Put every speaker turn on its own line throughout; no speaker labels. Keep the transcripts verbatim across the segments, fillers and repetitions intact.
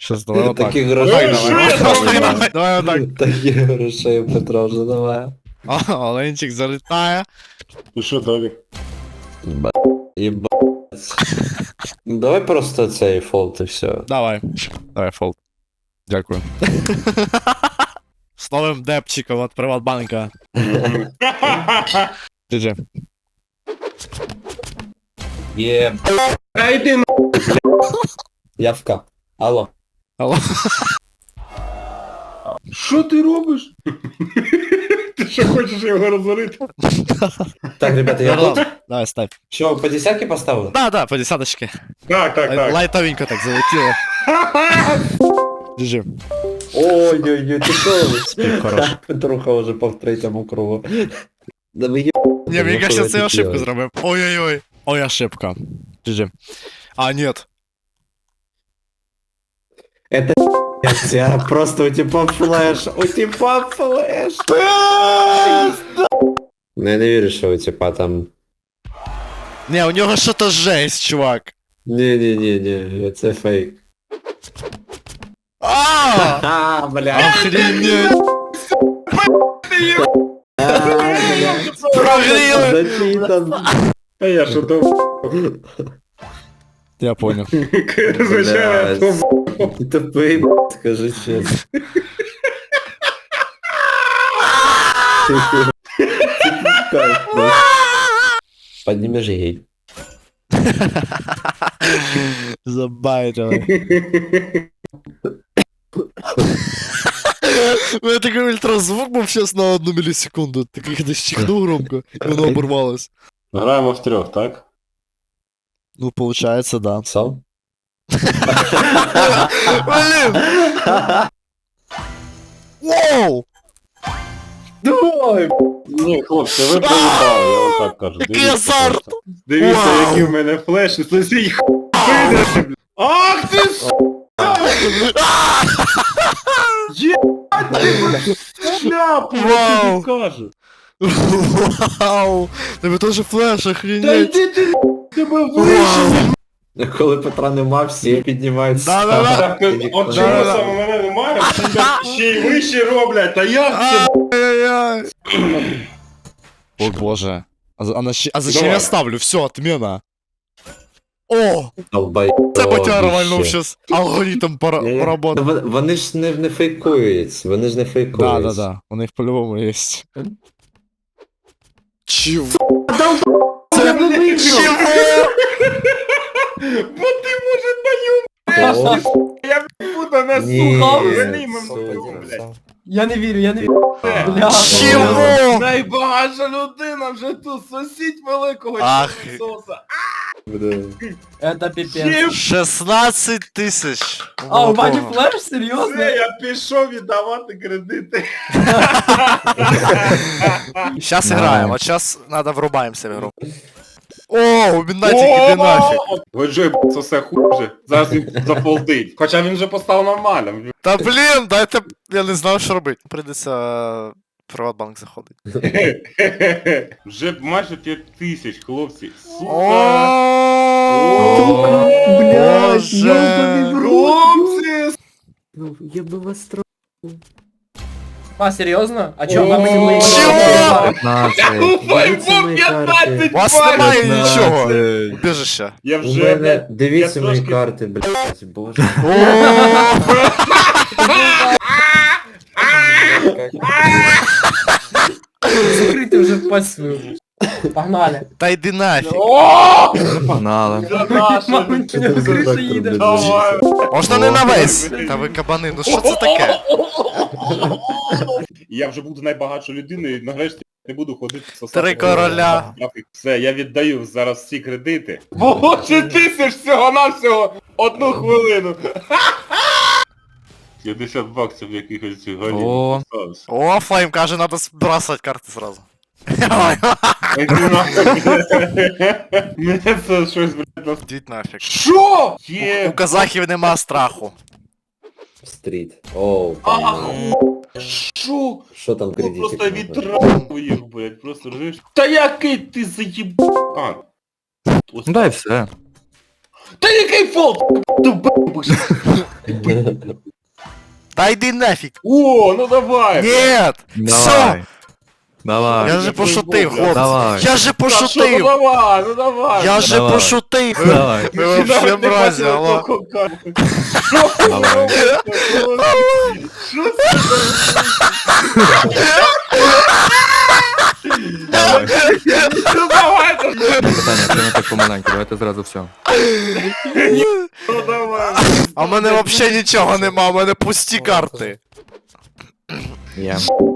Щас, давай отак.
Таких грошей
Давай, давай отак.
Таких грошей у Петра вже давай.
А, Оленчик залітає.
Ну що далі?
Єбать. Давай просто цей фолд і все.
Давай. Давай, фолд. Дякую. З новим депчиком від Приватбанка. джі джі.
Є.
А йди на...
Явка. Алло.
Алло.
Що ти робиш? Ти що хочеш його розорити?
Так, ребята, я тут.
Давай, ставь.
Що, по десятки поставили?
Да, да, по десяточке.
Так, так, так.
Лайтовенько так залетіло. джі джі.
Ой-ой-ой, ти що?
Спів хороший.
Петруха вже по третьому кругу. Да ви є...
Не, мені кажется, це
я
ошибку зробив. Ой-ой-ой. Ой, ошибка. джі джі. А, нет.
Это я просто у типа флеш, у типа флеш. Ну я не вірю, що у типа там...
Не, у нього що-то жесть, чувак.
Не-не-не-не, це фейк.
А!
А, бля.
Охренеть. Прогріли.
Зачитан.
А я що то...
Я понял.
Звичайно, я то...
Ти тупий, скажи чесно. Подніми же їй.
Забайтили. У меня такой ультразвук був сейчас на одну миллисекунду. Такий десь чихнув громко, і воно оборвалось.
Граємо в трьох, так?
Ну, получается, да.
Сам?
Блин! Воу!
Давай!
Ні, хлопці, ви проїбали, я вам так кажу.
Який
Дивіться
азарт!
просто. Дивіться,
Вау!
які в мене флеші, сусій хуй блядь. Ах ти с***! Єбать ти, шляпу, я
Вау!
тобі кажу.
Вау! Тебе тоже флеш,
Та
охренеть!
йди ти, тебе вище.
Коли Петра нема, всі піднімаються.
Да-да-да.
Так, от чому
Да-да-да.
саме мене немає, всі ще й вище роблять, та як це?
Ай-яй-яй! О боже. А, за- а, на щ- а зачем
Давай.
я ставлю? Все, отмена. О!
Долбай.
Це потяра
вообще.
вальнув щас. Алгоритм пора-
Я- я-
поработав.
Та вон- Вони ж не, не фейкують, вони ж не фейкують.
Да, да, да. У них по-любому есть. Чего?
Це не виграв.
Чего?
Бо ти, може, мою,
О,
я буду не
ні,
слухав, виним,
супер,
блядь.
Я не вірю, я не вірю. Бля,
Чего?
Найбагатша людина вже тут, сусідь великого
Ах.
соса.
буде.
Это пипец.
шестнадцать тысяч.
А, у Вані флеш? Серйозно?
Все, я пішов віддавати кредити.
Сейчас
Да.
играем, вот сейчас надо врубаемся в игру. О, у Минатик, иди нафиг.
Годжой це все хуй вже. Зараз він зафолдить. Хоча він вже поставив нормально.
Та блін, дайте, я не знаю, що робити. Прийдеться в Приватбанк заходити.
Вже майже п'ять тисяч, хлопці. Сука.
О,
Блядь,
Боже.
Хлопці!
Ну, я би вас трохи.
А, серйозно? А чо,
О,
вам мені мої
чого?
п'ятнадцять. Дивіться мої карти.
У вас немає нічого.
п'ятнадцять.
Убіжище.
Я
У
вже...
мене, дивіться
я
мої
трошки-
карти, блядь, боже.
О,
Закрити вже пасть свою. Погнали.
та йди нафіг.
О!
Погнали.
Це наше.
Мама, ти не в криші їде.
Давай.
Можна не на весь. Та ви кабани, ну що це таке?
Я вже буду найбагатшою людиною і нарешті не буду ходити сосати.
Три короля.
Все, я віддаю зараз всі кредити. Боже, тисяч всього-навсього одну хвилину. п'ятдесят баксів якихось голів.
О. О, Флейм каже, надо збрасувати карти сразу.
Мене це щось, блядь, нас...
Йдіть нафіг.
Що?
У
Є.
казахів нема страху.
Стріт. Оу,
Ах,
погнали.
Що?
Що там
Ну,
кредитик?
просто
можна?
відрав їх, блядь, просто ржеш. Та який ти заїб... А. Ось
Ну дай все.
Та який фолд? Ти б***ш.
Да йди нафіг.
О, ну давай!
Нет! Все!
Давай. Давай.
Я же пошутив, хлопці.
Давай.
Я же
Та що, ну
пошутив!
давай, ну давай!
Я же
Давай.
пошутив!
Давай.
Ви вообще мразі, алло.
Давай.
Що це?
Давай.
Ну давай,
Питання, це не так помаленьку, давайте зразу все.
ну давай.
А в мене вообще нічого нема, у мене пусті карти.
Є.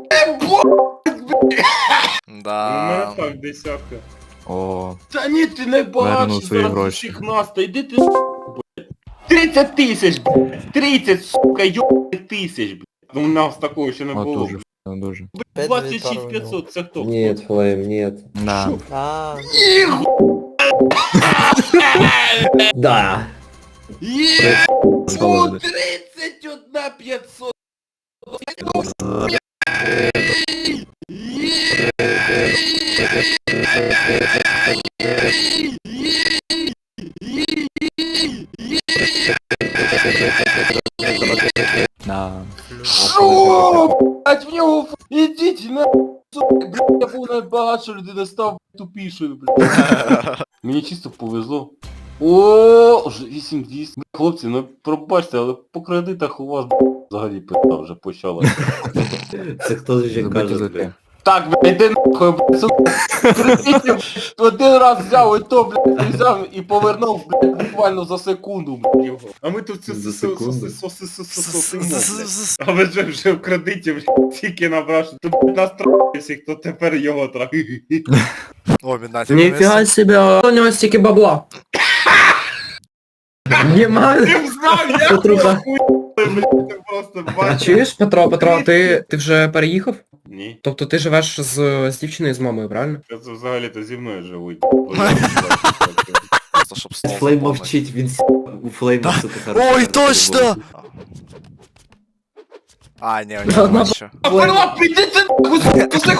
У мене
Да.
так десятка.
О,
Та ні, ти не
Верну
бачиш
свої
зараз
гроші.
усіх нас, та йди ти, блядь. тридцять тисяч, блядь. тридцять, сука, йобаних тисяч, блядь. Ну у нас такого ще не
о,
було.
дуже, дуже.
Блядь, двадцять шість п'ятсот, це хто?
Нет, Флейм, нет.
Да.
Да.
Є!
Голоди.
тридцять один п'ятсот!
Да.
Шо? Блять, в нього ф- ідіть на сука, блять, я був найбагатша людина, став тупішою, блять. Мені чисто повезло. О, вже вісім двісті. Хлопці, ну пробачте, але по кредитах у вас блядь, взагалі пита вже почалася.
Це хто ще
Забудьте
каже,
за
блядь?
те.
Так, блядь, іди нахуй, блядь, сука. Кредитів один раз взяв і то, блядь, взяв і повернув, блядь, буквально за секунду, блядь, його. А ми тут
За секунду?
сосимо. А ви вже вже в кредиті, блядь, тільки набрав, що ти, блядь, нас трахає всіх, то тепер його трахає.
О, він нафіг.
Ніфіга себе, у нього стільки бабла. Єма.
Ти б знав, я
Це трупа.
хуй, блядь, ти просто
А
бачиш.
чуєш, Петро, Петро, ти, ти вже переїхав?
Ні,
Тобто ти живеш з, з дівчиною, з мамою, правильно?
це взагалі-то зі мною живуть.
Просто, щоб стол
Флейм
запомнити.
мовчить, він с- у Флейма сука хорошо.
Ой, точно! А, ні, у нього що.
Перла, піди ти нахуй, сука, це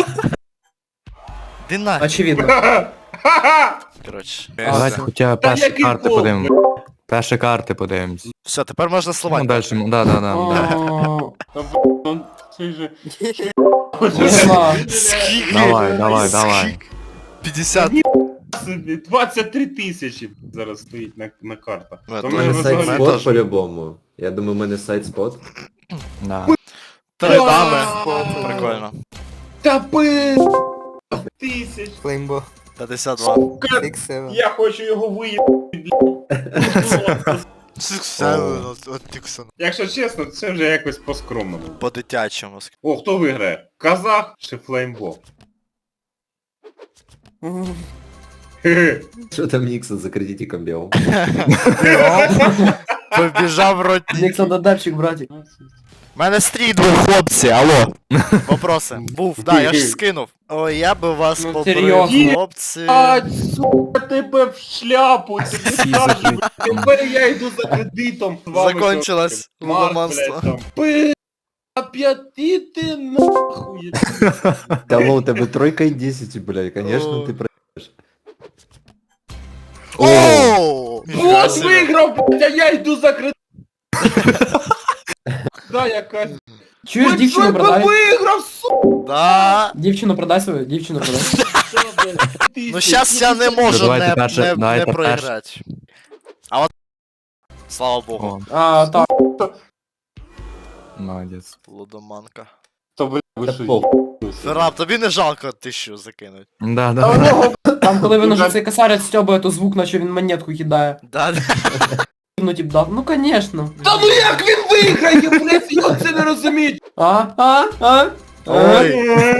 Ти нафіг.
Очевидно.
Коротше.
Давайте хоча
Та
перші
який
карти
пол,
подивимось. Перші карти подивимось.
Все, тепер можна
Ну,
слова.
далі, да, да, да, да.
О, та, блядь, ну, це же...
Єма.
Скільки?
Давай, давай, давай.
Скільки? п'ятдесят.
Собі, двадцять три тисячі зараз стоїть на, на картах.
Ну,
То
це
ми
У мене
ж
взагалі-
сайт
сайт
спот.
спот по-любому. Я думаю, у мене сайт спот.
Да.
Три дами.
Вау!
Прикольно.
Та пи... Тисяч.
Флеймбо.
п'ятдесят два.
Сука,
Фікс севен.
я хочу його виїбати, блядь. Якщо чесно, це вже якось по-скромному.
По-дитячому.
О, хто виграє? Казах чи Флеймбо? Хе-хе.
Що там Ніксон за кредитиком бігав?
Побіжав ротні.
Ніксон додавчик, братик.
У мене стрій був, хлопці, алло. Вопроси. Був, да, я ж скинув. Ой, я би вас
Ну,
побрив,
серйозно.
хлопці.
А, сука, тебе в шляпу, ти не скажеш, тепер я йду за кредитом. з вами
Закончилось
трошки. Марк,
ломанство.
блядь, там. Пи... Опять ти нахуй.
Та лоу, у тебе тройка і десять, блядь, конечно,
О.
ти про...
Ооо!
Вот виграв, блядь, а я йду за кредит. Да, якась.
Чуєш,
Ой,
дівчину
що,
продай?
виграв, сука,
Да.
Дівчину продай свою, дівчину продай.
блядь.
Ну щас я не можу
Давайте
не,
перше-
не, не
давайте
проіграти. А от... Слава Богу.
О,
А, так.
молодець.
Лудоманка.
То, блядь, ви
Та
що,
похуй.
Феррап, тобі не жалко тисячу закинуть?
Да,
Та у
да.
нього,
Там, коли він уже цей косарець стьобує, то звук, наче він монетку кидає.
Да.
Ну, тип, да. Ну, конечно.
та ну як він виграє, блядь, я це не розумію.
А, а, а.
Ой.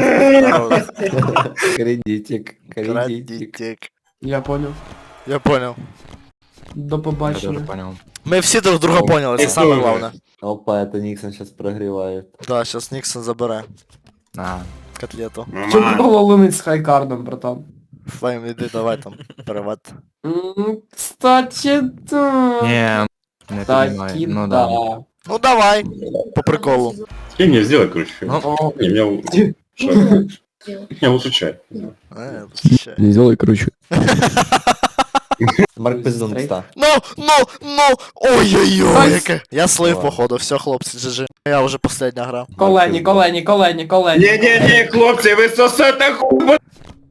Кредитик, кредитик.
Кредитик.
Я понял.
Я понял.
До
Я теж
побачення.
понял.
Ми всі друг друга поняли, це
Як
саме
добре.
головне.
Опа, это Никсон сейчас прогревает.
Да, сейчас Ніксон забере
А.
котлету.
Чому було лунить з хайкардом, братан?
Флейм, іди, давай там, перевод.
М, Кстати, да.
Ні, не
Таки
піднімай. Ну
да.
да.
Ну давай, по приколу.
Ты мне сделай, короче.
Ну.
О,
Не, меня... Что? Я лучше чай.
Е, посвящай.
сделай круче.
Марк пиздун ста.
Ну, ну, ну! Ой-ой-ой,
Ай.
яке. Я слив,
Ладно.
походу, все, хлопці, джи джи. Я вже последня гра.
Колені, колені, колені, колені.
Ні-ні-ні, хлопці, ви сосете хуй, бо...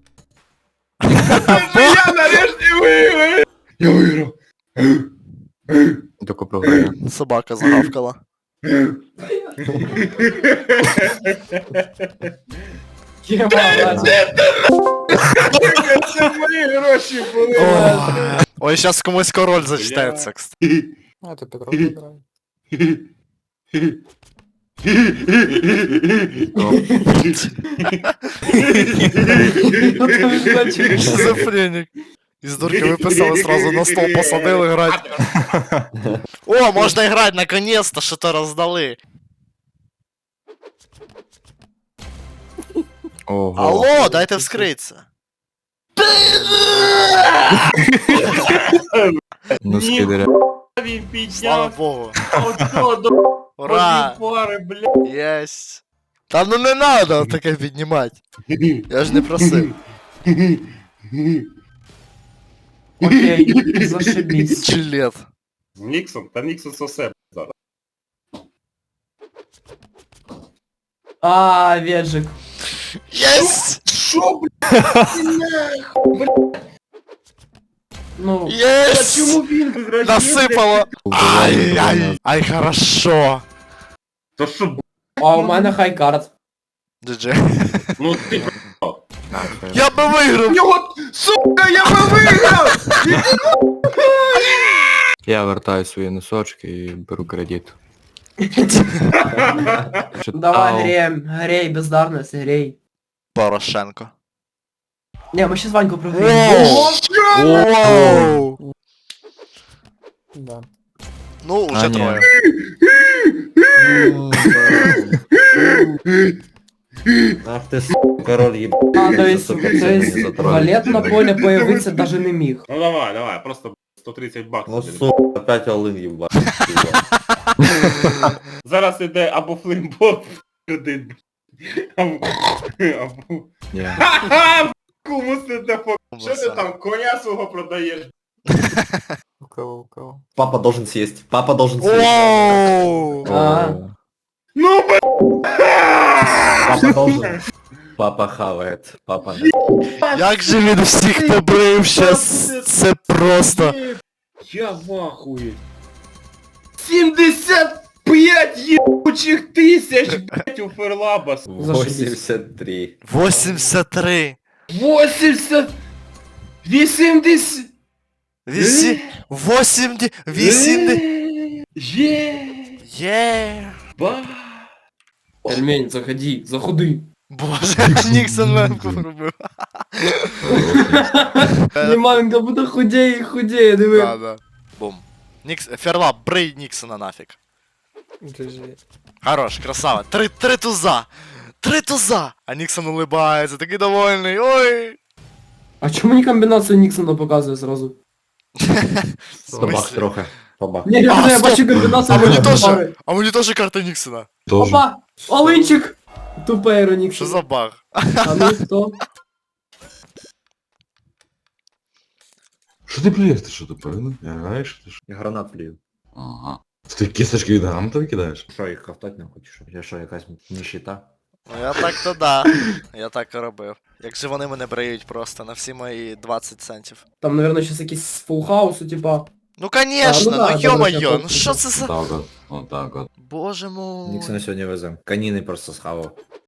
Я нарешті виграв! Я виграв!
Тільки програє.
Собака загавкала.
Єма, Владик.
Це мої гроші були!
Ой, Ой, щас комусь король зачитається, кстати.
А, то Петро виграє.
Шизофренік. Із дурки виписали, сразу на стол посадили грати. О, можна грати, наконец-то, що то роздали.
Ого.
Алло, дайте вскритися.
Ну скидеря.
Він
Слава
підняв
Богу.
ото до
Ура!
пари, бля.
Єсть. Та ну не надо таке піднімати. Я ж не просив.
Окей, зашибісь.
Жилет.
Ніксон, та Ніксон сосе зараз.
А, Веджик.
Єсть!
Шо, бля?
Ну,
Єсть!
Чому він зрадів?
Насипало! Ай, ай, ай, хорошо.
То що, б***?
а у мене хайкарт.
джи джи.
Ну ти,
Я би виграв!
Його, сука, я би виграв!
Я вертаю свої носочки і беру кредит. Чи-
Давай
Ау.
греем, грей, бездарність, грей.
Порошенко.
Не, ми щас Ваньку програємо.
Воу!
Да.
Ну,
А,
уже
ні.
троє.
Ах ти с***, король еб...
А, то есть,
Сука,
то
це
есть,
мені затролить.
валет на поле появиться даже не міг.
Ну давай, давай, просто сто тридцять баксів.
Ну сука, опять all-in ебать.
Зараз іде або флеймбот кредит, або... або...
Ні.
Ха-ха! Кому сиде фок... Що ти там, коня свого продаєш?
У кого, у кого?
Папа должен съесть. Папа должен съесть.
Воу!
А.
О.
Ну, б***ь!
Папа должен. Папа хавает. Папа не.
Як же він всіх побрив щас? Це просто...
Я в ахуї. сімдесят п'ять єбучих тисяч, блять, у Ферлабас.
восемьдесят три.
вісімдесят три.
вісімдесят... вісімдесят...
Вісі... Вісімдесят... Вісімдесят...
Є...
Є...
Ба...
Пельмень, заходи, заходи.
Боже, Ніксон мемку робив.
Не маленька буде худеє і худеє, диви.
Да, да. Бум. Нікс... Ферлап, брий Ніксона нафіг. Хорош, красава. Три, три туза! Три туза! А Ніксон улыбається, такий довольний. Ой!
А чому мені комбінацію Ніксона показує зразу?
Побах трохи. Побах.
Ні, я,
А,
я
стоп!
бачу комбінацію.
А мені
пари.
теж, а мені теж карта Ніксона.
Опа! Олинчик! Тупейро
Що
Ніксон.
за баг?
А ну хто?
Що ти плюєш? Ти що, ти певно? Не граєш? Ти що?
Я гранат плюю.
Ага. Ти кісточки від граната викидаєш?
Що, їх хавтать не хочеш? Я що, якась нищета?
Ну я так то да. Я так і робив. Як же вони мене бриють просто на всі мої двадцять центів.
Там, наверное, щас якийсь фулхаусу, типа.
Ну конечно,
А, ну да,
ну
добре,
ё-моё,
я
ну що це за...
Так от, отак от.
Боже мой.
Ніксона сьогодні везем. Каніни просто схавав.